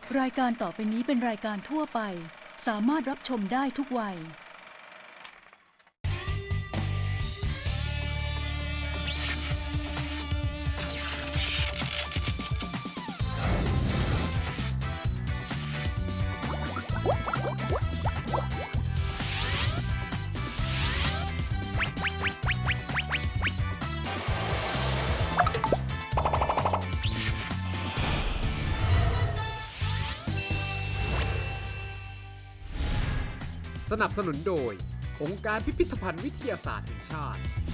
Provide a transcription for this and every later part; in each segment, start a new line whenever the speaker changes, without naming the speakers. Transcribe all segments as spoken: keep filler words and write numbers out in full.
รายการต่อไปนี้เป็นรายการทั่วไปสามารถรับชมได้ทุกวัย
สนับสนุนโดยองค์การพิพิธภัณฑ์วิทยาศาสตร์แห่งชาติ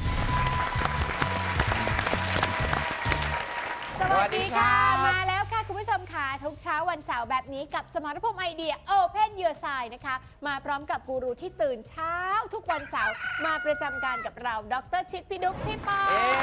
สวัสดีค่ะมาแล้วค่ะคุณผู้ชมค่ะทุกเช้าวันเสาร์แบบนี้กับสมรภูมิไอเดีย Open Your Side นะคะมาพร้อมกับกูรูที่ตื่นเช้าทุกวันเสาร์มาประจำการกับเราดรชิดพี่ดุ๊กพี่ปอ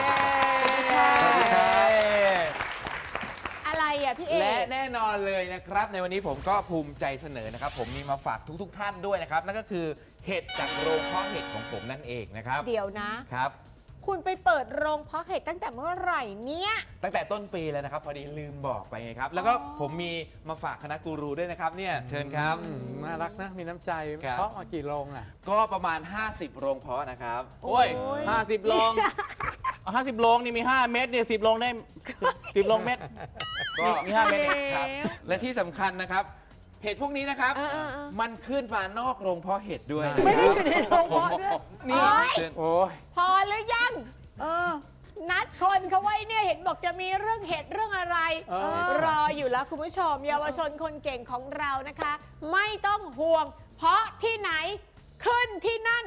อะไรอ่ะพี่เอและ
แน่นอนเลยนะครับในวันนี้ผมก็ภูมิใจเสนอนะครับผมมีมาฝากทุกๆทท่านด้วยนะครับนั่นก็คือเห็ดจากโรงเพาะเห็ดของผมนั่นเองนะครับ
เดี๋ยวนะครับ คุณไปเปิดโรงเพาะเห็ดตั้งแต่เมื่อไหร่เนี่ย
ตั้งแต่ต้นปีแล้วนะครับพอดีลืมบอกไปไงครับแล้วก็ผมมีมาฝากคณะกูรูด้วยนะครับเนี่ยเชิญครับ
น่ารักนะมีน้ำใจเพาะมากี่โรงอ่ะ
ก็ประมาณห้าสิบโรงเพาะนะครับ
โอ้ยห้าสิบโรงห้าสิบโรงนี่มีห้าเม็ดเนี่ยสิบโรงได้สิบโรงเม็ดก็มีห้าเม็ด
ครับและที่สำคัญนะครับเห็ดพวกนี้นะครับมันขึ้นมานอกโรงเพาะเห็ดด้วย
ไม่ได้อยู่ในโรงเพาะด้วยนี่
โอ้ย
พอหรือยังเออนัดคนเขาไว้เนี่ยเห็นบอกจะมีเรื่องเห็ดเรื่องอะไรรออยู่แล้วคุณผู้ชมเยาวชนคนเก่งของเรานะคะไม่ต้องห่วงเพราะที่ไหนขึ้นที่นั่น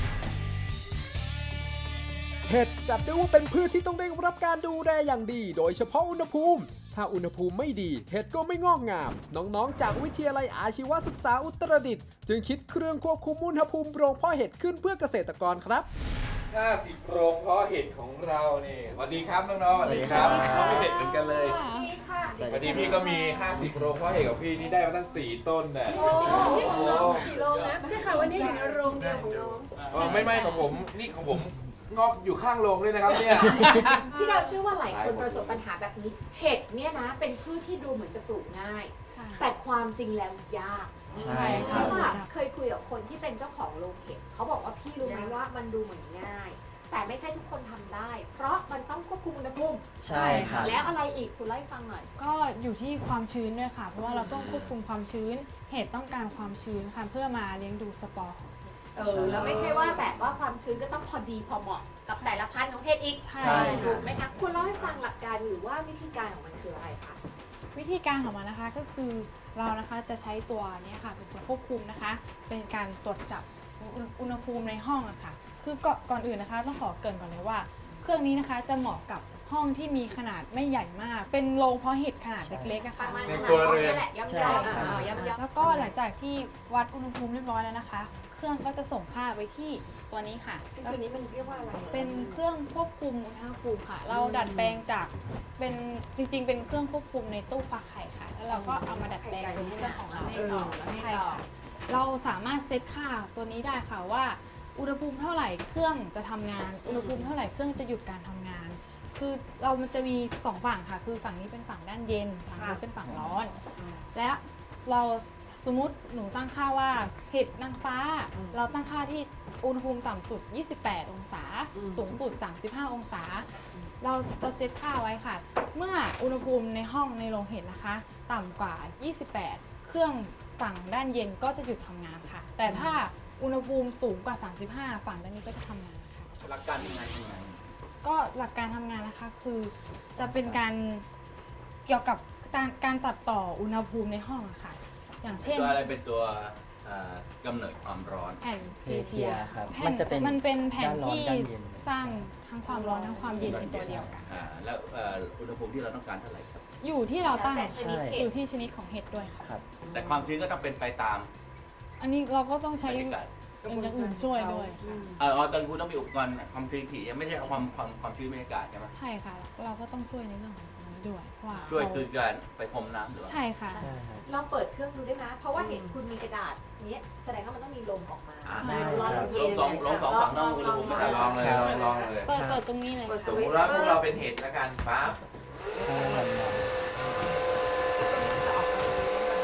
เห็ดจัดได้ว่าเป็นพืชที่ต้องได้รับการดูแลอย่างดีโดยเฉพาะอุณหภูมิถ้าอุณหภูมิไม่ดีเห็ดก็ไม่งอกงามน้องๆจากวิทยาลัยอาชีวศึกษาอุตรดิตถ์จึงคิดเครื่องควบคุมอุณหภูมิโรงเพาะเห็ดขึ้นเพื่อเกษตรกรครับ
ห้าสิบโรงเพาะเห็ดของเรานี่สวัสดีครับน้องๆสวัสดีครับน้องมีเห็ดเหมือนกันเลยสวัสดีค่ะสวัสดีพี่ก็มีห้าสิบโรงเพาะเห็ดกับพี่นี่ได้มาตั้งสี่ต้นน่ะ
โอ้ที่ของเรากี่โรงนะได้ข่าวว่านี่อยู่ในโรงเดียวของน้อง
อ๋อไม่ไม่ของผมนี่ของผมงอกอยู่ข้างโรงเลยนะครับเนี่ย
พี่ดาวเชื่อว่าหลายคนประสบปัญหาแบบนี้เห็ดเนี่ยนะเป็นพืชที่ดูเหมือนจะปลูกง่ายแต่ความจริงแล้วยาก
ใช่
เพราะว่าเคยคุยกับคนที่เป็นเจ้าของโรงเห็ดเขาบอกว่าพี่รู้ไหมว่ามันดูเหมือนง่ายแต่ไม่ใช่ทุกคนทำได้ เพราะมันต้องควบคุมอุณหภูมิ
ใช่ค่ะ
แล้วอะไรอีกคุณเล่าให้ฟังหน่อย
ก็อยู่ที่ความชื้นด้วยค่ะเพราะว่าเราต้องควบคุมความชื้นเห็ดต้องการความชื้นค่ะเพื่อมาเลี้ยงดูสปอร์
เออแล้วไม่ใช่ว่าแบบว่าความชื้นก็ต้องพอดีพอเหมาะกับแต่ละพันธุ์ของเห็ดอีก
ใช่
ถูกไหมคะคุณเล่าให้ฟังหลักการหรือว่าวิธีการของมันคืออะไรคะ
วิธีการของมันนะคะก็คือเรานะคะจะใช้ตัวนี้ค่ะเป็นตัวควบคุมนะคะเป็นการตรวจจับอุณหภูมิในห้องอะค่ะคือก่อนอื่นนะคะต้องขอเกริ่นก่อนเลยว่าเครื่องนี้นะคะจะเหมาะกับห้องที่มีขนาดไม่ใหญ่มากเป็นโรงเพาะเห็ดขนาดเล็กๆอะค่ะ
ในครัวเรือนแหละย่ำๆ
แล้วก็หลังจากที่วัดอุณหภูมิเรียบร้อยแล้วนะคะเครื่องก็จะส่งค่าไปที่ตัวนี้ค่ะ
ตัวนี้มันเรียกว่าอะไร
เป็นเครื่องควบคุมอุณหภูมิค่ะเราดัดแปลงจากเป็นจริงๆเป็นเครื่องควบคุมในตู้ฟักไข่ค่ะแล้วเราก็เอามาดัดแปลงเป็นเครื่องของเราให้ต่อใช่ค่ะเราสามารถเซตค่าตัวนี้ได้ค่ะว่าอุณหภูมิเท่าไหร่เครื่องจะทำงานอุณหภูมิเท่าไหร่เครื่องจะหยุดการทำงานคือเรามันจะมีสองฝั่งค่ะคือฝั่งนี้เป็นฝั่งด้านเย็นฝั่งนี้เป็นฝั่งร้อนและเราสมมติหนูตั้งค่าว่าเห็ดนางฟ้าเราตั้งค่าที่อุณหภูมิต่ำสุดยี่สิบแปดองศาสูงสุดสามสิบห้าองศาเราจะเซตค่าไว้ค่ะเมื่ออุณหภูมิในห้องในโรงเห็ดนะคะต่ำกว่ายี่สิบแปดเครื่องฝั่งด้านเย็นก็จะหยุดทำงานค่ะแต่ถ้าอุณหภูมิสูงกว่าสามสิบห้าฝั่งด้านนี้ก็จะทำงานค่ะ
หลักการทำงานยังไง
ก็หลักการทำงานนะคะคือจะเป็นการเกี่ยวกับการการตัดต่ออุณหภูมิในห้องค่ะอย่างเช่น
ตัวอะไรเป็นตัวกำเนิดความร้อน
แผ่นเพเทีย
ครับ
มันจะเป็นมันเป็นแผ่นที่สร้างทั้งความร้อนทั้งความเย็นเป็นตัวเดียวกัน
แล้วอุณหภูมิที่เราต้องการเท่าไหร่ครับ
อยู่ที่เราตั้งอยู่ที่ชนิดของเห็ดด้วยค่ะ
แต่ความชื้นก็ต้องเป็นไปตาม
อันนี้เราก็ต้องใช้อย่างอื่นช่วยด้วย
เออตอนคุณต้องมีอุปกรณ์ความชื้นถี่ไม่ใช่ความความความชื้นบรรยากาศใช่ไหม
ใช่ค่ะเราก็ต้องช่วยในเรื่องของตรงนี้ด้วยว่า
ช่วยคือการไปพรมน้ำหรือ
ใช่ค่ะ
ลองเปิดเครื่องดูได้ไหมเพราะว่าเห็นคุณมีกระดาษนี้แสดงว่ามันต้องมีลมออกมา
ร้อนเย็นลองลองสองฝั่งต้องอุณหภูมิ
ลองเลยลองเลย
เปิดเปิดตรงนี้เลย
สมมติว่าพวกเราเป็นเห็ดแล้วกันปั๊บ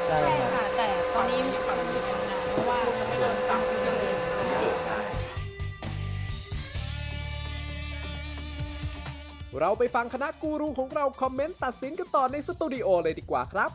เราไปฟังคณะกูรูของเราคอมเมนต์ตัดสินกันต่อในสตูดิโอเลยดีกว่าครับ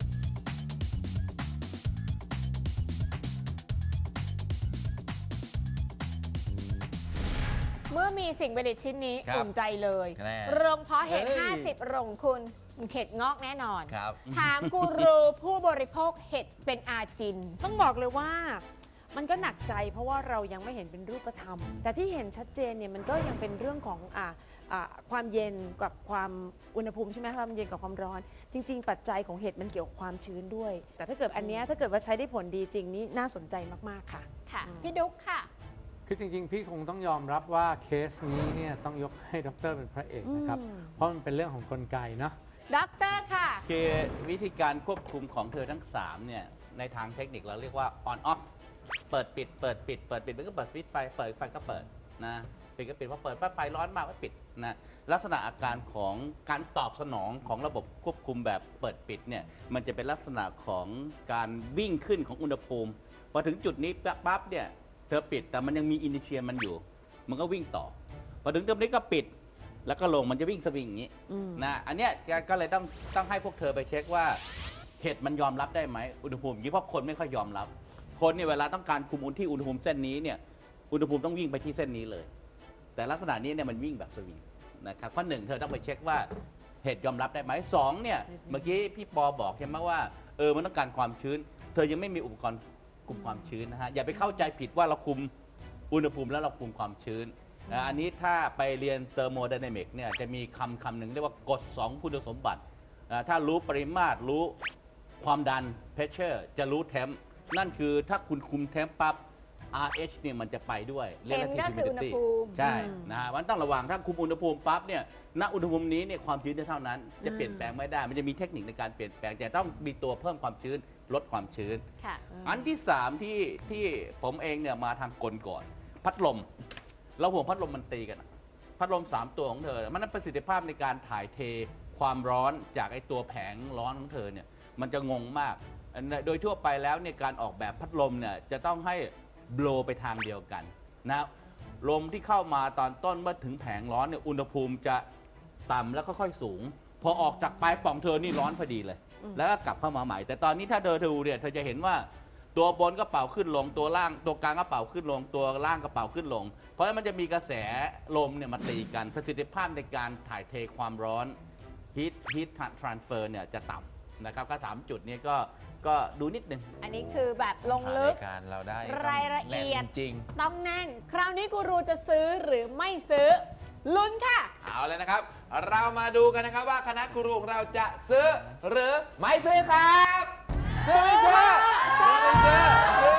เมื่อมีสิ่งประดิษฐ์ชิ้นนี้
ครับ
อุ่นใจเลย
แน่
โรงเพาะเห็ด
เฮ้ย
ห้าสิบโรงคุณเห็ดงอกแน่นอน
ครับ
ถามกูรูผู้บริโภคเห็ดเป็นอาจิน
ต้องบอกเลยว่ามันก็หนักใจเพราะว่าเรายังไม่เห็นเป็นรูปธรรม แต่ที่เห็นชัดเจนเนี่ยมันก็ยังเป็นเรื่องของอ่าอ่าความเย็นกับความอุณหภูมิใช่ไหมความเย็นกับความร้อน จริง ๆ ปัจจัยของเห็ดมันเกี่ยวกับความชื้นด้วย แต่ถ้าเกิดอันเนี้ยถ้าเกิดว่าใช้ได้ผลดีจริงนี่น่าสนใจมากๆค่ะ
ค่ะ พี่ดุ๊กค่ะ
คือจริงๆ พี่คงต้องยอมรับว่าเคสนี้เนี่ยต้องยกให้ดรเป็นพระเอกนะครับ
อืม
เพราะมันเป็นเรื่องของกลไกเนาะ
ด็อกเตอร์ค่ะ
คือวิธีการควบคุมของเธอทั้งสามเนี่ยในทางเทคนิคเราเรียกว่า on off เปิดปิดเปิดปิดเปิดปิดมันก็เปิดฟิตไฟเปิดไฟก็เปิดนะปิดก็ปิดพอเปิดปั๊บไฟร้อนมากก็ปิดนะลักษณะอาการของการตอบสนองของระบบควบคุมแบบเปิดปิดเนี่ยมันจะเป็นลักษณะของการวิ่งขึ้นของอุณหภูมิพอถึงจุดนี้ปั๊บเนี่ยเธอปิดแต่มันยังมีอินิเชียมันอยู่ มันก็วิ่งต่อพอถึงจุดนี้ก็ปิดแล้วก็ลงมันจะวิ่งสวิงอย่างนี้
อืม
นะอันเนี้ยก็เลยต้องต้องให้พวกเธอไปเช็คว่าเห็ดมันยอมรับได้ไหมอุณหภูมิอย่างนี้เพราะคนไม่ค่อยยอมรับ คนเนี่ยเวลาต้องการคุมอุณหที่อุณหภูมิเส้นนี้เนี่ยอุณหภูมิต้องวิ่งไปที่เส้นนี้เลย แต่ลักษณะนี้เนี่ยมันวิ่งแบบสวิงนะครับข้อหนึ่งเธอต้องไปเช็คว่าเห็ดยอมรับได้ไหมสองเนี่ยเมื่อกี้พี่ปอบอกใช่ไหมว่าเออมันต้องการความชื้น เธอยังไม่มีอุปกรณ์คุมความชื้นนะฮะอย่าไปเข้าใจผิดว่าเราคุมอุณหภูมิแล้วเราคุมความชื้นนะอันนี้ถ้าไปเรียนเทอร์โมไดนามิกเนี่ยจะมีคำคำหนึ่งเรียกว่ากฎสองคุณสมบัติอ่าถ้ารู้ปริมาตรรู้ความดัน pressure จะรู้เทมนั่นคือถ้าคุณคุมเทมปั๊บ อาร์ เอช เนี่ยมันจะไปด้วย
M ก็คืออุณหภูมิ
ใช่นะฮะมันต้องระวังถ้าคุมอุณหภูมิปั๊บเนี่ยณอุณหภูมินี้เนี่ยความชื้นจะเท่านั้น จะเปลี่ยนแปลงไม่ได้ มันจะมีเทคนิคในการเปลี่ยนแปลงแต่ต้องมีตัวเพิ่มความชื้นลดความชื้น
ค่ะ
อันที่สามที่ที่ผมเองเนี่ยมาทางกลก่อน พัดลมเราห่วงพัดลมมันตีกันอะพัดลมสามตัวของเธอ มันนั้นประสิทธิภาพในการถ่ายเทความร้อนจากไอตัวแผงร้อนของเธอเนี่ยมันจะงงมากอันโดยทั่วไปแล้วเนี่ยการออกแบบพัดลมเนี่ยจะต้องให้โบลไปทางเดียวกันนะลมที่เข้ามาตอนต้นเมื่อถึงแผงร้อนเนี่ยอุณหภูมิจะต่ำแล้วค่อยๆสูง พอออกจากปลายป่องเธอนี่ร้อนพอดีเลย แล้วก็กลับเข้ามาใหม่ แต่ตอนนี้ถ้าเธอดูเนี่ยเธอจะเห็นว่าตัวบนก็เป่าขึ้นลงตัวล่างตัวกลางก็เป่าขึ้นลงตัวล่างก็เป่าขึ้นลง เพราะฉะนั้นมันจะมีกระแสลมเนี่ยมาตีกันประสิทธิภาพในการถ่ายเทความร้อน heat heat transfer เนี่ยจะต่ำนะครับก็สามจุดนี้ก็ก็ดูนิดนึง
อันนี้คือแบบลงลึก
รายการเราได้
รายละเอียด
แน่นจริง
ต้องแน่น คราวนี้กูรูจะซื้อหรือไม่ซื้อ ลุ้นค่ะ
เอาเลยนะครับ เรามาดูกันนะครับว่าคณะกูรูของเราจะซื้อหรือไม่ซื้อครับ ซื้อไม่ซื้อซื้อไม่ซื้อ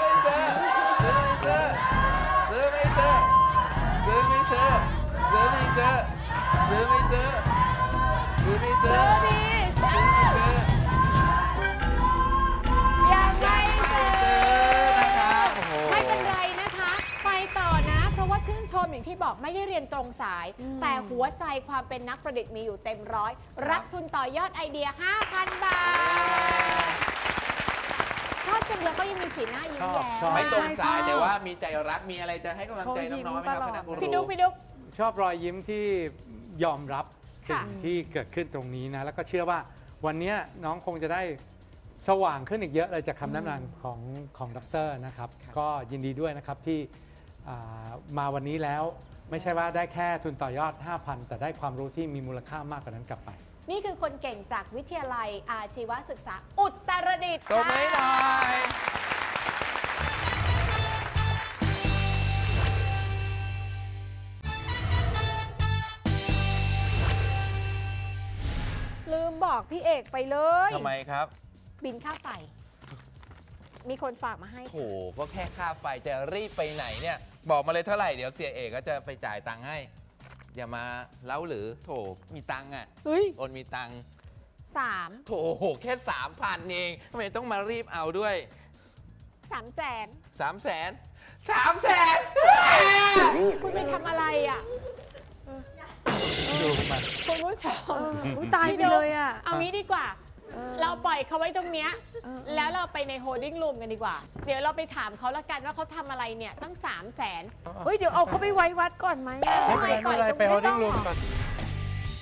ซื้อไม่ซื้อซื้อไม่ซื้อซื้อไม่ซื้อซื้อไม่ซื้อซื้อไม่ซื้อซื้อไม่ซื้อ
ซื้อดี
ซื้อไม่ซื้อ
ยังไม่ซื้อ
นะครับโอ้โห
ไม่เป็นไรนะคะ ไปต่อนะ เพราะว่าชื่นชมอย่างที่บอกไม่ได้เรียนตรงสาย แต่หัวใจความเป็นนักประดิษฐ์มีอยู่เต็มร้อย รับทุนต่อยอดไอเดีย ห้าพัน บาท ชอบจังเลยก็ยังมีสีหน้ายิ้มแย้
ชอบ
ม
ไม่ตรงสายแต่ว่ามีใจรักมีอะไรจะให้กำลังใจน้องๆไหมครับคณะกูรู
พี่ดุ๊กพี่ดุ๊ก
ชอบรอยยิ้มที่ยอมรับ
ค่ะ
สิ่งที่เกิดขึ้นตรงนี้นะ แล้วก็เชื่อว่าวันนี้น้องคงจะได้สว่างขึ้นอีกเยอะเลยจากคำแนะนำของของดรนะครับ ก็ยินดีด้วยนะครับที่อ่ามาวันนี้แล้วไม่ใช่ว่าได้แค่ทุนต่อยอด ห้าพัน แต่ได้ความรู้ที่มีมูลค่ามากกว่านั้นกลับไป
นี่คือคนเก่งจากวิทยาลัยอาชีวศึกษาอุตรดิตถ์
ตบมือหน่อย
ลืมบอกพี่เอกไปเลย
ทำไมครับ
บินค่าไฟ มีคนฝากมาให้
โถก็แค่ค่าไฟจะรีบไปไหนเนี่ย บอกมาเลยเท่าไหร่เดี๋ยวเสียเอกก็จะไปจ่ายตังค์ให้ อย่ามาเล้าหรือโถมีตังค์อ่ะ
เฮ้ย
โอนมีตังค์
สาม
โถแค่สามพันเองทำไมต้องมารีบเอาด้วย
สามแสน
สามแสนสามแสน
คุณไปทำอะไรอ่ะ
ดูมัน
คุณผู้ชม
อุ๊ยตายไปเลยอ่ะ
เอางี้ดีกว่า
เออ
เราปล่อยเขาไว้ตรงเนี้ย
เออ
แล้วเราไปในโฮลดิ้งรูมกันดีกว่า เดี๋ยวเราไปถามเขาละกันว่าเขาทำอะไรเนี่ยตั้งสามแสน
เฮ้ยเดี๋ยวเอาเขาไปไว้วัดก่อนไหมอะ
ไม่เป็นไรไม่เป็นไรไป holding room ก่อน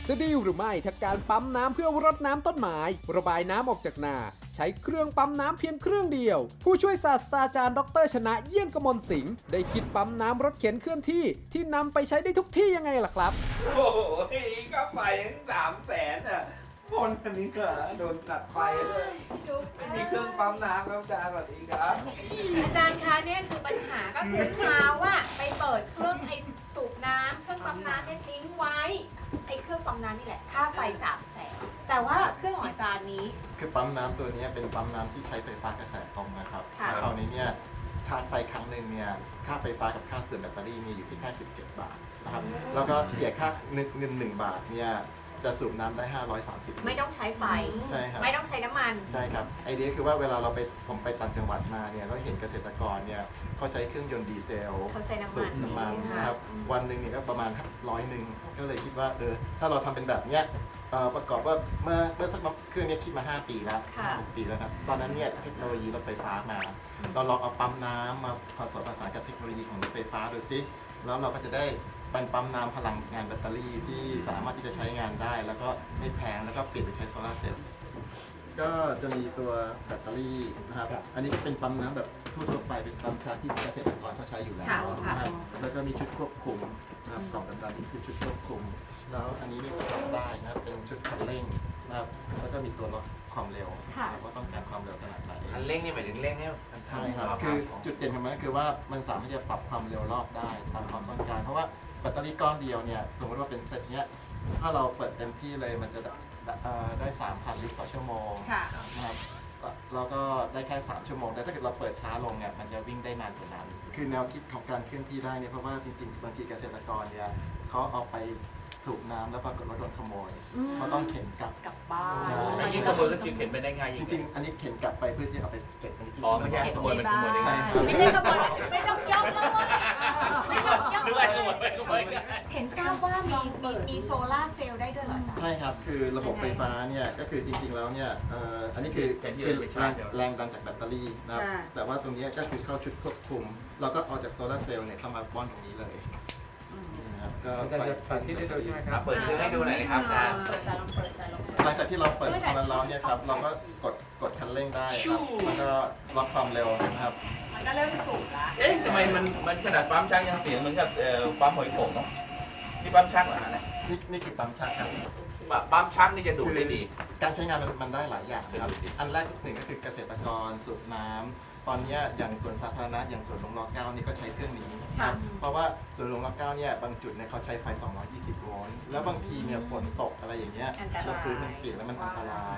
จะดีหรือไม่ถ้าการปั๊มน้ำเพื่อรดน้ำต้นไม้ระบายน้ำออกจากนาใช้เครื่องปั๊มน้ำเพียงเครื่องเดียวผู้ช่วยศาสตราจารย์ดรชนะเยี่ยนกมลสิงห์ได้คิดปั๊มน้ำรถเข็นเคลื่อนที่ที่นำไปใช้ได้ทุกที่ยังไงล่ะครับ
โอ้โหค่าไฟทั้งสามแสนอ่ะคนอันนี้ก็โดนตัดไฟเลยไม่มีเครื่องปั๊มน้ำครับอาจารย์สวัสดีครับ
อาจารย์คะเนี่ยคือปัญหาก็คือเท้าว่าไปเปิดเครื่องไอ้สูบน้ำเครื่องปั๊มน้ำเนี่ยทิ้งไว้ไอ้เครื่องปั๊มน้ำนี่แหละค่าไฟสามแสนแต่ว่าเครื่องของอาจารย์นี้
คือปั๊มน้ำตัวนี้เป็นปั๊มน้ำที่ใช้ไฟฟ้ากระแสตรงนะครับ
ค่ะ
แล้วคราวนี้เนี่ยชาร์จไฟครั้งหนึ่งเนี่ยค่าไฟฟ้ากับค่าเสื่อมแบตเตอรี่เนี่ยอยู่ที่แค่สิบเจ็ดบาทนะครับแล้วก็เสียค่าเงินเงินหนึ่งบาทเนี่ยจะสูบน้ำได้ห้าร้อยสามสิบ
ไม่ต้องใช้ไฟ
ใช่ครับ
ไม่ต้องใช้น้ำมัน
ใช่ครับไอเดียคือว่าเวลาเราไปผมไปต่างจังหวัดมาเนี่ยเราเห็นเกษตรกรเนี่ยเขาใช้เครื่องยนต์ดีเซล
เขาใช้น้ำมัน
สูบน้ำมัน
ใช่ไหมคะ
นะครับวันหนึ่งเนี่ยก็ประมาณร้อยหนึ่งก็เลยคิดว่าเออถ้าเราทำเป็นแบบเนี้ยเอ่อประกอบว่าเมื่อเมื่อสักเครื่องเนี้คิดมาห้าปีแล้ว
ค่ะ
หกปีแล้วครับตอนนั้นเนี่ยเทคโนโลยีรถไฟฟ้ามา เราลองเอาปั๊มน้ำมาผสมผสานกับเทคโนโลยีของรถไฟฟ้าดูซิแล้วเราก็จะได้เป็นปั๊มน้ำพลังงานแบตเตอรี่ที่สามารถที่จะใช้งานได้ แล้วก็ไม่แพงแล้วก็เปลี่ยนไปใช้โซลาร์เซลล์ก็จะมีตัวแบตเตอรี่นะครับอันนี้เป็นปั๊มน้ำแบบทั่วๆไปเป็นปั๊มชาร์จที่เกษตรกรเขาใช้อยู่แล้ว
ค่ะ
นะครับแล้วก็มีชุดควบคุมนะครับกล่องดำๆนี่คือชุดควบคุม แล้วอันนี้นี่ก็ทำได้นะครับเป็นชุดคันเร่งนะครับแล้วก็มีตัวลดความเร็ว
ค่ะ
ว่าต้องการความเร็วขนาดไหน
คันเร่งนี่หมายถึงเร่งให้มัน
ใช่ครับ
ทำ
คือจุดเด่นของมันก็คือว่ามันสามารถจะปรับความเร็วรอบได้ตามความต้องการ เพราะว่าแบตเตอรี่ก้อนเดียวเนี่ยสมมติว่าเป็นเซตเนี้ยถ้าเราเปิดเต็มที่เลยมันจะได้เอ่อได้ สามพัน ลิตรต่อชั่วโมง
ค่ะ
นะครับแล้วก็ได้แค่ สาม ชั่วโมง แต่ถ้าเกิดเราเปิดช้าลงเนี่ยมันจะวิ่งได้นานกว่านั้น คือแนวคิดของการเคลื่อนที่ได้เนี่ยเพราะว่าจริงๆบางทีเกษตรกรเนี่ยเขาเอาไปสูบน้ำแล้วปรากฏว่าโดนขโมยเขาต้องเข็นกลับ
กลับบ้าน
ใช่
ไอ้ยิ่งขโมยก็คือเข็นไปได้ง่าย
จ
ยิ่ง
ริงๆ อันนี้เข็นกลับไปเพื่อที่เอาไปเก็บในที่
อ๋อไม่ใช่ขโมยมันขโมยได้ง่าย
ไม่ใช่ขโมยไม่ต้องยกแล้วเว้ยไม่ต้องยก
นึกว่าขโมยไปขโมย
เห็นทราบว่ามีมีมีโซล่าร์เซลล์ได้ด้วยเหรออาจารย์
ใช่ครับ คือระบบไฟฟ้าเนี่ยก็คือจริงๆ แล้วเนี่ยเอ่ออันนี้คือ
แทนที่
คือ
จะไป
แร
ชาร์
ง
จเดี๋ยว
แรงดันจากแบตเตอรี่นะครับ
ค่ะ
แต่ว่าตรงเนี้ยก็คือเข้าชุดควบคุม เราก็เอาจากโซลาร์เซลล์เนี่ยเข้ามาป้อนตรงนี้เลยนะครับก็
อาจารย์จะสาธิตให้ดูใช่ไหมค
ค
รั
รั
บบ
เปิดเครื่องให้ดูหน่อยนะครับอาจารย์
เปิดใจลองเปิดใจลองเปิด
หลังจากที่เราเปิดพอมันร้อนเนี่ยครับเราก็กดกดคันเร่งได้ครับแล้วก็ล็อกความเร็วนะครับ
มันก็เริ่มสูงละ
เอ๊ะทำไมมันมันขนาดปั๊มชักยังเสียงเหมือนกับเอ่อปั๊มหอยโข่งเนาะนี่ปั๊มชักเหรอฮะเนี่ย
นี่นี่คือปั๊มชักครับ
ปั๊มชักนี่จะดูดได้ดี
การใช้งานมันมันได้หลายอย่างนะครับ
ดูดิ
อันแรกหนึ่งก็คือเกษตรกรสูบน้ำตอนเนี้ยอย่างสวนสาธารณะอย่างสวนหลวงรอเก้านี่ก็ใช้เครื่องนี้ครับเพราะว่าสวนหลวงรอเก้าเนี่ยบางจุดเนี่ยเขาใช้ไฟ สองร้อยยี่สิบ โวลต์แล้วบางทีเนี่ยฝนตกอะไรอย่างเงี้ยแล้วพื้นมันเปียกแล้วมันอันตราย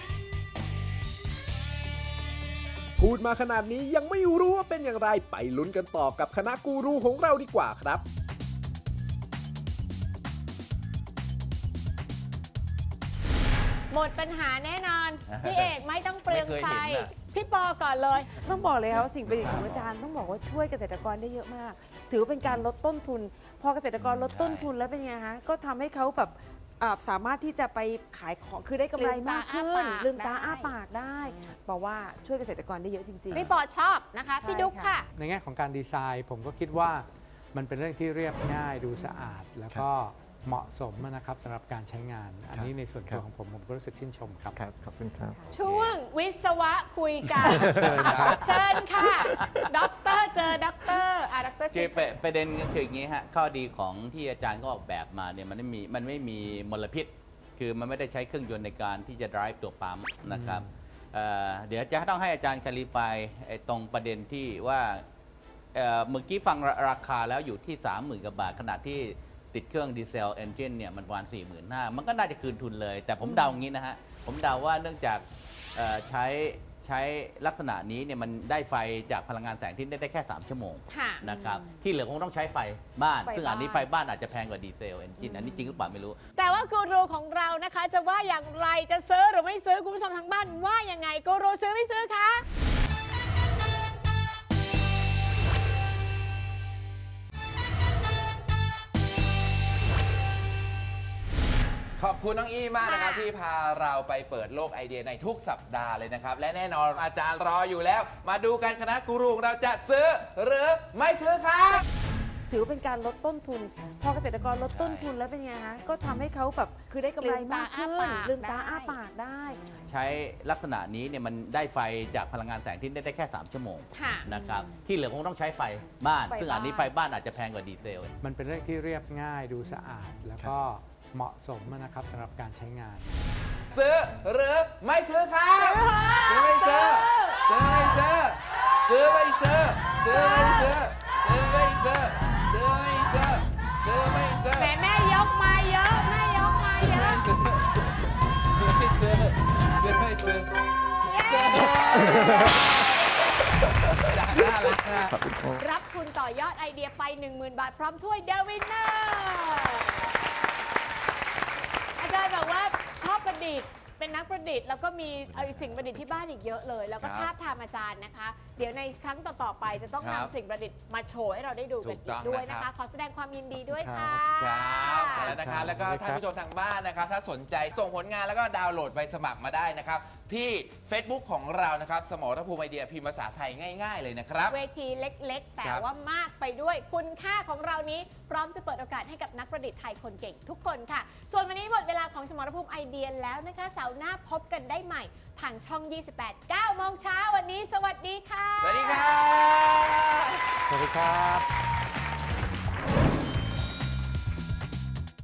พูดมาขนาดนี้ยังไม่รู้ว่าเป็นอย่างไรไปลุ้นกันต่อกับคณะกูรูของเราดีกว่าครับ
หมดปัญหาแน่นอน พี่เอกไม่ต้องเปลืองไฟ
ไม่เคยเห็นน่ะ
พี่ปอก่อนเลย
ต้องบอกเลยค่ะว่าสิ่งประดิษฐ์ของอาจารย์ต้องบอกว่าช่วยเกษตรกรได้เยอะมาก ถือว่าเป็นการลดต้นทุน พอเกษตรกรลดต้นทุนแล้วเป็นไงคะก็ทำให้เขาแบบอ่าสามารถที่จะไปขายของคือได้กำไรมากขึ้น
ลื
ลื
ม
ม
ตา
ตา
อ้า
อ้า
ปา
ปาก กได้บอกว่าช่วยเกษตรกรได้เยอะจริงๆ
พี่ปอชอบนะคะ พี่ดุ๊กค่ะ
ในแง่ของการดีไซน์ ผมก็คิดว่ามันเป็นเรื่องที่เรียบง่ายดูสะอาด แล้วก็เหมาะสมนะครับสำหรับการใช้งาน อันนี้ในส่วนตัวของผมผมก็รู้สึกชื่นชมครับ
ครับขอบคุณครับ
ช่วงวิศวะคุยกัน
เชิญครับ
เชิญค่ะด็อกเตอร์เจอด็อกเตอร์อ่ะด็อกเตอร์
คื
ชิ
อ
ด
ประประเด็นก็คืออย่างนี้ฮะข้อดีของที่อาจารย์ก็ออกแบบมาเนี่ยมันไม่มีมันไม่มีมลพิษ คือมันไม่ได้ใช้เครื่องยนต์ในการที่จะ drive ตัวปั๊มนะครับเอ่อเดี๋ยวจะต้องให้อาจารย์คาลิฟายไอ้ตรงประเด็นที่ว่าเอ่อเมื่อกี้ฟังราราคาแล้วอยู่ที่ สามหมื่น กว่าบาทขณะที่ติดเครื่องดีเซลเอนจินเนี่ยมันประมาณ สี่หมื่นห้าพัน มันก็น่าจะคืนทุนเลย แต่ผมเดาอย่างนี้นะฮะผมเดาว่าเนื่องจากเอ่อใช้ใช้ลักษณะนี้เนี่ยมันได้ไฟจากพลังงานแสงอาทิตย์ได้แค่ สาม ชั่วโมง
ค่ะ
นะครับที่เหลือคงต้องใช้ไฟบ้าน
ไฟ
ซึ่งอันนี้
บ้าน
ไฟบ้านอาจจะแพงกว่าดีเซลเอนจินอันนี้จริงหรือเปล่าไม่รู้
แต่ว่ากูรูของเรานะคะ จะว่าอย่างไรจะซื้อหรือไม่ซื้อคุณผู้ชมทางบ้านว่ายังไงกูรูซื้อไม่ซื้อคะ
ขอบคุณน้องอี้มากนะครับที่พาเราไปเปิดโลกไอเดียในทุกสัปดาห์เลยนะครับ และแน่นอนอาจารย์รออยู่แล้ว มาดูกันคณะกูรูของเราจะซื้อหรือไม่ซื้อครับ
ถือว่าเป็นการลดต้นทุน พอเกษตรกรลดต้นทุนแล้วเป็นไงคะก็ทำให้เขาแบบคือได้กำไรมากขึ้นลืมตาอ้าปากได้
ใช้ลักษณะนี้เนี่ยมันได้ไฟจากพลังงานแสงอาทิตย์ได้แค่ สาม ชั่วโมง
ค่ะ
นะครับที่เหลือคงต้องใช้ไฟบ้าน
ไฟ
ซึ่งอันนี้
บ้าน
ไฟบ้านอาจจะแพงกว่าดีเซล
มันเป็นเรื่องที่เรียบง่ายดูสะอาด แล้วก็เหมาะสมนะครับสำหรับการใช้งาน
ซื้อหรือไม่ซื้อครับซื้อไม่ซื้อซื้อไม่ซื้อซื้อไม่ซื้อซื้อไม่ซื้อซื้อไม่ซื้อซื้อไม่ซื้อซื้อไม่ซื้อ
แม่แม่ยกมาเยอะแม่ยกมาเยอะ
ซื้อไม่ซื้อซื้อไม่ซื้อซื้อน่ารักนะ
รับทุนต่อยอดไอเดียไป หนึ่งหมื่น บาทพร้อมถ้วยเดวินเนอร์อาจารย์บอกว่าชอบประดิษฐ์เป็นนักประดิษฐ์แล้วก็มีเอาสิ่งประดิษฐ์ที่บ้านอีกเยอะเลย แล้วก็
ครับ
ทาบทามอาจารย์นะคะ เดี๋ยวในครั้งต่อๆไปจะต้อง
ครับ
นำสิ่งประดิษฐ์มาโชว์ให้เราได้ดูกัน
ถูกต้
อี
อก ง
ด้วย
นะ
นะ
ครั
คะ
บ
ขอแสดงความยินดีด้วยค่ะ
ครับแล้วนะครับแล้วก็ท่านผู้ชมทางบ้านนะครับ ถ้าสนใจส่งผลงานแล้วก็ดาวน์โหลดใบสมัครมาได้นะครับ ที่ Facebook ของเรานะครับ สมรภูมิไอเดียพิมพ์ภาษาไทยง่าย ๆ เลยนะครับ
เวทีเล็ก ๆ แต่
ครับ
ว่ามากไปด้วยคุณค่าของเรานี้ พร้อมจะเปิดโอกาสให้กับนักประดิษฐ์ไทยคนเก่งทุกคนค่ะ ส่วนวันนี้หมดเวลาของสมรภูมิไอเดียแล้วนะคะเสาร์หน้าพบกันได้ใหม่ทางช่อง ยี่สิบแปด เก้าโมงเช้าวันนี้ สวัสดีค่ะ
สวัสดีครับ
สวัสดีครับ